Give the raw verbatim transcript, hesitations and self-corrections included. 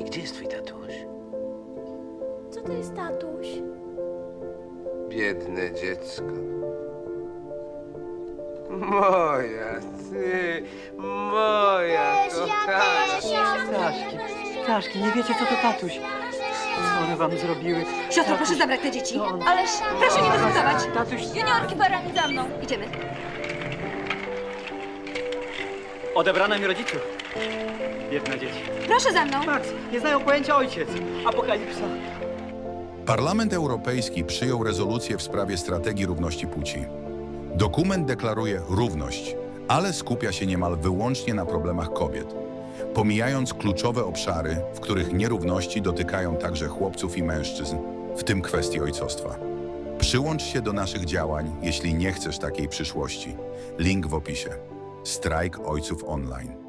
Kochanie, gdzie jest twój tatuś? Co to jest tatuś? Biedne dziecko. Moja, ty, moja kochana. Staszki, Staszki, nie wiecie, co to tatuś. Co one wam zrobiły? Siostro, proszę zabrać te dzieci. To on. Ależ proszę nie dyskutować. Tatuś, Juniorki, barani za mną. Idziemy. odebrano mi rodziców. Biedne dzieci. Proszę za mną. Max, nie znają pojęcia ojciec. Apokalipsa. Parlament Europejski przyjął rezolucję w sprawie strategii równości płci. Dokument deklaruje równość, ale skupia się niemal wyłącznie na problemach kobiet, pomijając kluczowe obszary, w których nierówności dotykają także chłopców i mężczyzn, w tym kwestii ojcostwa. Przyłącz się do naszych działań, jeśli nie chcesz takiej przyszłości. Link w opisie. Strajk Ojców Online.